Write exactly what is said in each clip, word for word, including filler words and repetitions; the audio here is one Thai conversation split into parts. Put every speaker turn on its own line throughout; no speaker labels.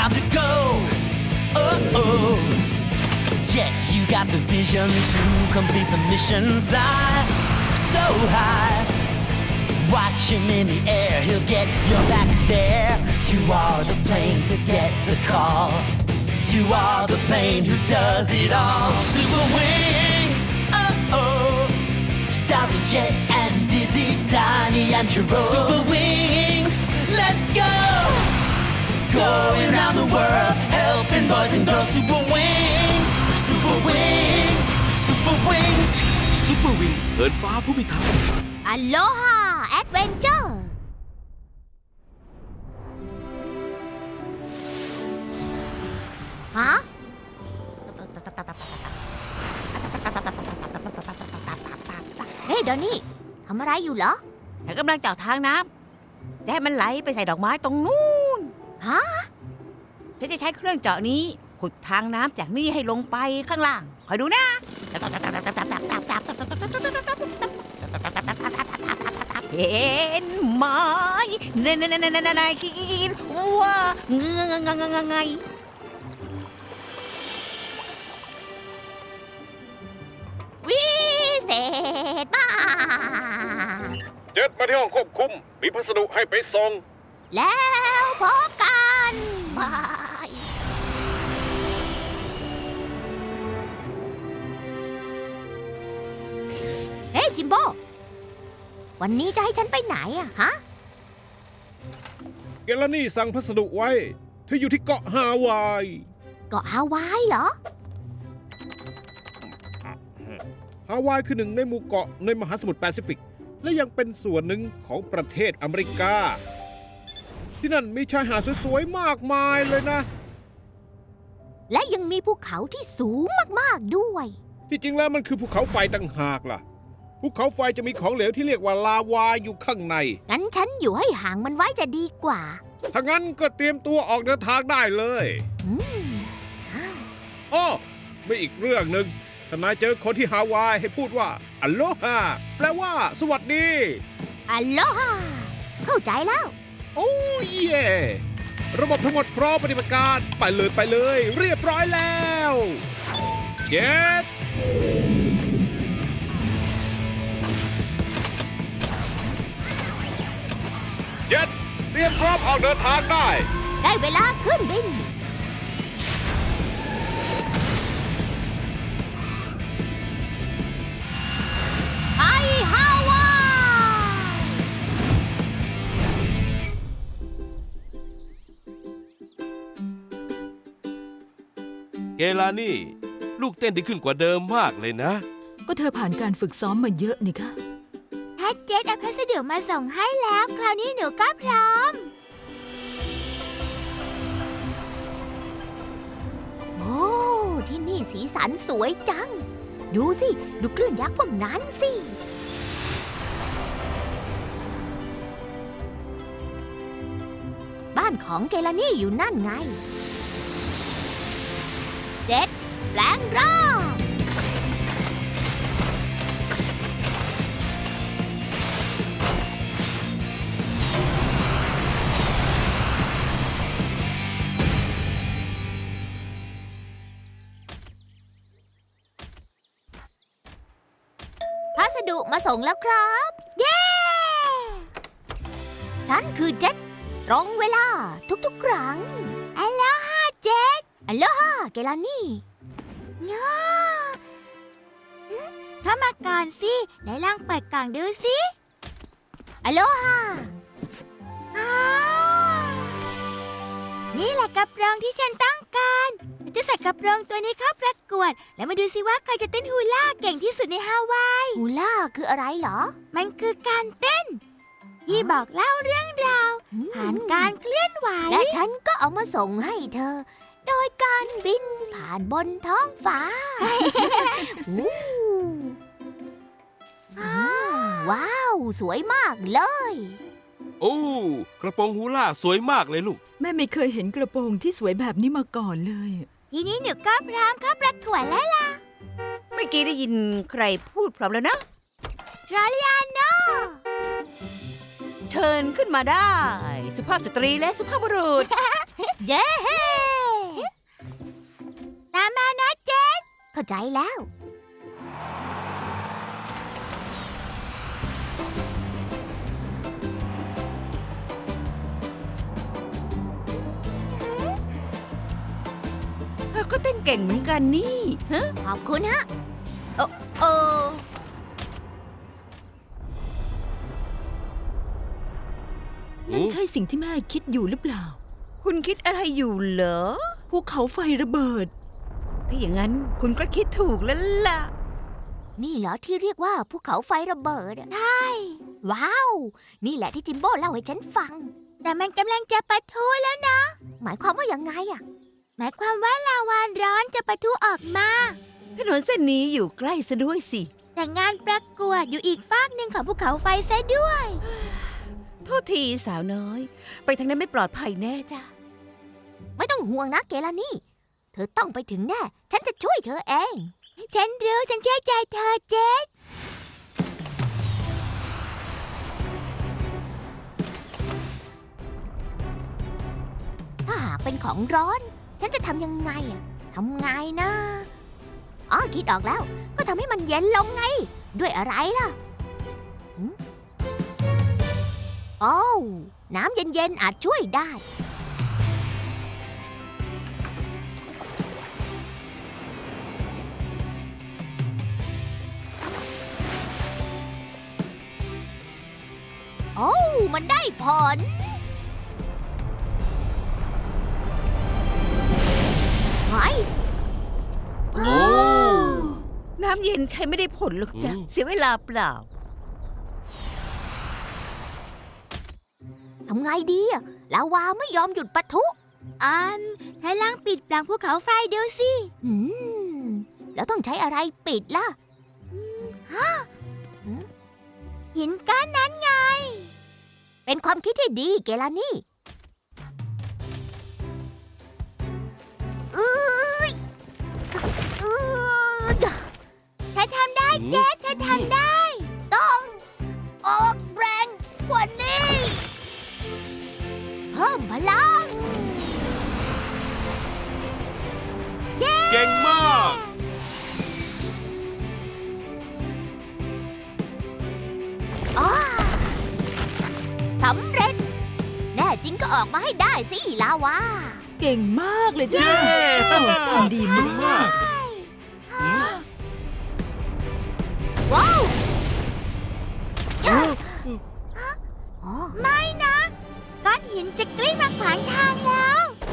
time to go. Oh, oh. Jet, you got the vision to complete the mission. Fly so high. Watching in the air, he'll get your package there. You are the plane to get the call. You are the plane who does it all. Super Wings, oh oh. Starring Jet and Dizzy, Donnie and Jerome. Super Wings, let's go. Going around the world, helping boys and girls. Super Wings, Super Wings, Super Wings.
Super Wing เหินฟ้าผู้พิทักษ์
อโลฮาแอดเวนเจอร์ฮะเฮ้ยดอนนี่ทำอะไรอยู่เหรอ
ฉันกำลังเจาะทางน้ำจะให้มันไหลไปใส่ดอกไม้ตรงนู้น
ฮะ
ฉันจะใช้เครื่องเจาะนี้ขุดทางน้ำจากนี่ให้ลงไปข้างล่างคอยดูนะเห็นไหมในในในในในในคิดว่าเงยเงยเงยเงย
วิเศษมาก
เจ็ดมาที่ห้องควบคุมมีพัสดุให้ไปส่ง
แล้วพบกันบาย เฮ้ยจิมโบ วันนี้จะให้ฉันไปไหนอะฮะ
เกลานี่สั่งพัสดุไว้เธออยู่ที่เกาะฮาวาย
เกาะฮาวายเหรอ
ฮาวายคือหนึ่งในหมู่เกาะในมหาสมุทรแปซิฟิกและยังเป็นส่วนหนึ่งของประเทศอเมริกาที่นั่นมีชายหาดสวยๆมากมายเลยนะ
และยังมีภูเขาที่สูงมากๆด้วย
ที่จริงแล้วมันคือภูเขาไฟต่างหากล่ะภูเขาไฟจะมีของเหลวที่เรียกว่าลาวาอยู่ข้างใน
งั้นฉันอยู่ให้ห่างมันไว้จะดีกว่า
ถ้างั้นก็เตรียมตัวออกเดินทางได้เลย
อืม
อ้อไม่อีกเรื่องหนึ่งถ้านายเจอคนที่ฮาวายให้พูดว่าอัลโลฮาแปลว่าสวัสดี
อโลฮาเข้าใจแล้ว
โอ้เย่ระบบทั้งหมดพร้อมปฏิบัติการไปเลยไปเลย เรียบร้อยแล้วเจ็ดเจ็ดเตรียมพร้อมออกเดินทางได้
ได้เวลาขึ้นบิน ไปฮาวาย
เกลานี่ ลูกเต้นดีขึ้นกว่าเดิมมากเลยนะ
ก็เธอผ่านการฝึกซ้อมมาเยอะนี่คะ
แพทเจ็ตเอาพัสดุมาส่งให้แล้ว คราวนี้หนูก็พร้อม โอ้ ที่นี่สีสันสวยจัง ดูสิ ดูคลื่นยักษ์พวกนั้นสิ บ้านของเกลานี่อยู่นั่นไง เจ็ดแปลงร่าง พัสดุมาส่งแล้วครับ เย้ ฉันคือเจ็ตตรงเวลาทุกๆครั้งอัลโลฮาเจ็ตอัลโลฮาเกลานี่ง้าเข้ามาก่อนสิไหนลองเปิดกล่องดูสิอัลโลฮานี่แหละกระโปรงที่ฉันต้องการจะใส่กระโปรงตัวนี้เข้าประกวด แล้วมาดูสิว่าใครจะเต้นฮูล่าเก่งที่สุดในฮาวายฮูล่าคืออะไรเหรอ มันคือการเต้น ที่บอกเล่าเรื่องราวผ่านการเคลื่อนไหวและฉันก็เอามาส่งให้เธอ โดยการบินผ่านบนท้องฟ้า ว้าว สวยมากเลย
โอ้กระโปรงฮูล่าสวยมากเลยลูก
แม่ไม่เคยเห็นกระโปรงที่สวยแบบนี้มาก่อนเลย
ทีนี้หนูก็พร้อมเข้าประกวดแล้วล่ะ
เมื่อกี้ได้ยินใครพูดพร้อมแล้วนะ
รอลิอาโน
เชิญขึ้นมาได้ สุภาพสตรีและสุภาพบุรุษ
เย้ตามมานะเจสเข้าใจแล้ว
เธอก็เต้นเก่งเหมือนกันนี่ฮะ
ขอบคุณฮะ
เออเออ
นั่นใช่สิ่งที่แม่คิดอยู่หรือเปล่า
คุณคิดอะไรอยู่เหรอ
ภูเขาไฟระเบิด
ถ้าอย่างนั้นคุณก็คิดถูกแล้วล่ะ
นี่เหรอที่เรียกว่าภูเขาไฟระเบิดอะใช่ ว้าว นี่แหละที่จิมโบ้เล่าให้ฉันฟัง แต่มันกำลังจะปะทุแล้วนะ หมายความว่ายังไงอะหมายความว่าลาวาร้อนจะปะทุออกมา
ถนนเส้นนี้อยู่ใกล้ซะด้วยสิ
แต่งานประกวดอยู่อีกฟากหนึ่งของภูเขาไฟซะด้วย
โทษทีสาวน้อย ไปทางนั้นไม่ปลอดภัยแน่จ้ะ
ไม่ต้องห่วงนะเกลานี่ เธอต้องไปถึงแน่ ฉันจะช่วยเธอเอง ฉันรู้ฉันเชื่อใจเธอเจสถ้าหากเป็นของร้อน ฉันจะทำยังไงอะทำไงนะอ๋อคิดออกแล้ว ก็ทำให้มันเย็นลงไง ด้วยอะไรล่ะหืมโอ้วน้ำเย็นๆอาจช่วยได้ โอ้ มันได้ผล ไง
โอ้
น้ำเย็นใช้ไม่ได้ผลหรอกจ้ะ
อืม
เสียเวลาเปล่า
ทำไงดีอะลาวาไม่ยอมหยุดปะทุอ่าให้ล่างปิดปล่องภูเขาไฟดูสิอืมแล้วต้องใช้อะไรปิดล่ะอืมฮะอืมหินก้อนนั้นไง เป็นความคิดที่ดีเกลานี่อื้ออื้อเธอทำได้เจ๊เธอทำได้ ต้องออกแรงกว่านี้ เพิ่มพลัง
เก่งมาก
อ้าสำเร็จ แน่จริงก็ออกมาให้ได้สิลาวา
เก่งมากเลยจ้า
เย้
โอ้ทำดีมาก
ว้าวอ๋อไม่นะ ก้อนหินจะกลิ้งมาขวางทางแล้ว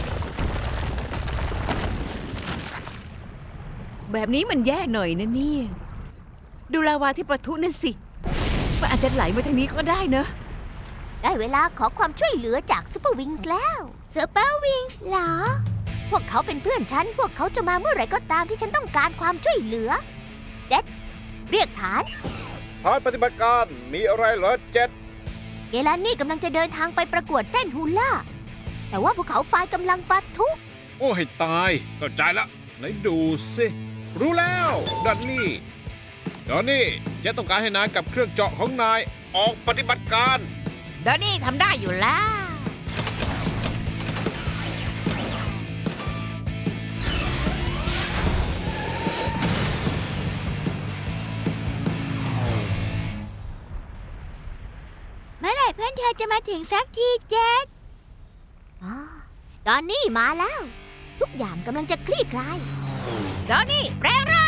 แบบนี้มันแย่หน่อยนะเนี่ย ดูลาวาที่ประทุนั่นสิ มันอาจจะไหลมาทางนี้ก็ได้เนอะ
ได้เวลาขอความช่วยเหลือจากซูเปอร์วิงส์แล้วซูเปอร์วิงส์เหรอ พวกเขาเป็นเพื่อนฉัน พวกเขาจะมาเมื่อไหร่ก็ตามที่ฉันต้องการความช่วยเหลือ เจ็ดเรียกฐาน
ฐานปฏิบัติการมีอะไรเหรอเจ็ด
เกลานี่กำลังจะเดินทางไปประกวดเต้นฮูล่า แต่ว่าภูเขาไฟกำลังปะทุ
โอ้ให้ตายเข้าใจละไหนดูสิ รู้แล้วดันนี่ตอนนี้เจะต้องการให้นายกับเครื่องเจาะของนายออกปฏิบัติการ
เดี๋ยวนี้ทำได้อยู่แล้ว
เมื่อไหร่เพื่อนเธอจะมาถึงสักทีเจสอ๋อตอนนี้มาแล้ว ทุกอย่างกำลังจะคลี่คลาย
เดี๋ยวนี้แปลงร่าง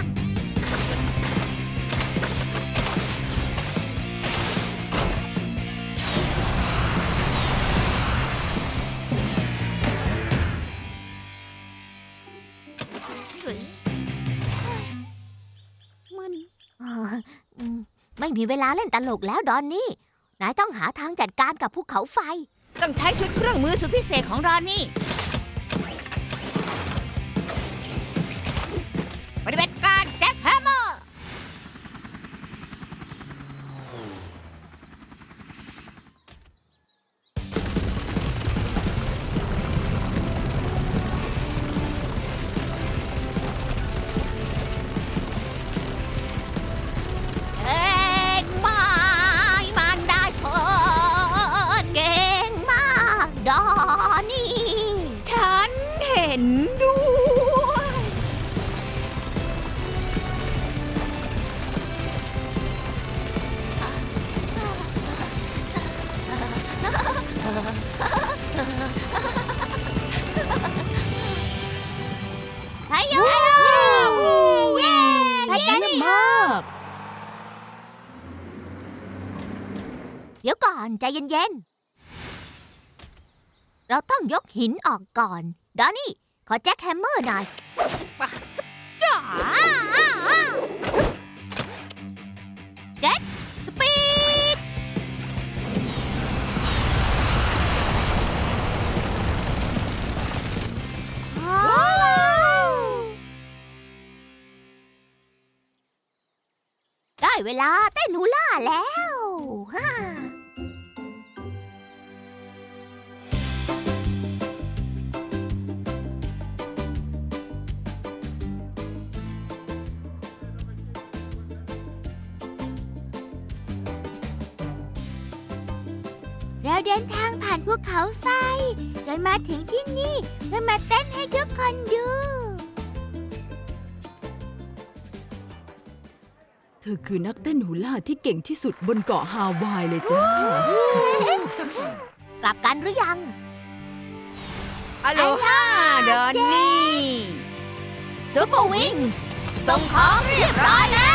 มัน เอ่ออืมไม่มีเวลาเล่นตลกแล้วดอนนี่ นายต้องหาทางจัดการกับภูเขาไฟ
ต้องใช้ชุดเครื่องมือสุดพิเศษของรอนนี่ ปฏิบัติการแจ็คแฮมเมอร์
เอ็นไม้มันได้ผลเก่งมาก โดดอนี่
ฉันเห็นด้วย
ไทยโยเย้ไทยนี่
มาก
เดี๋ยวก่อนใจเย็นๆ เราต้องยกหินออกก่อน ดอนนี่ ขอแจ็คแฮมเมอร์หน่อย
จ๋า
แจ็คสปีด ได้เวลาเต้นฮูล่าแล้วฮ่าเราเดินทางผ่านภูเขาไฟจนมาถึงที่นี่เพื่อมาเต้นให้ทุกคนดู
เธอคือนักเต้นฮูล่าที่เก่งที่สุดบนเกาะฮาวายเลยจ้า
กลับกันหรือยัง
อโลฮาดอนนี่
ซูเปอร์วิงส์ส่งของเรียบร้อยแล้ว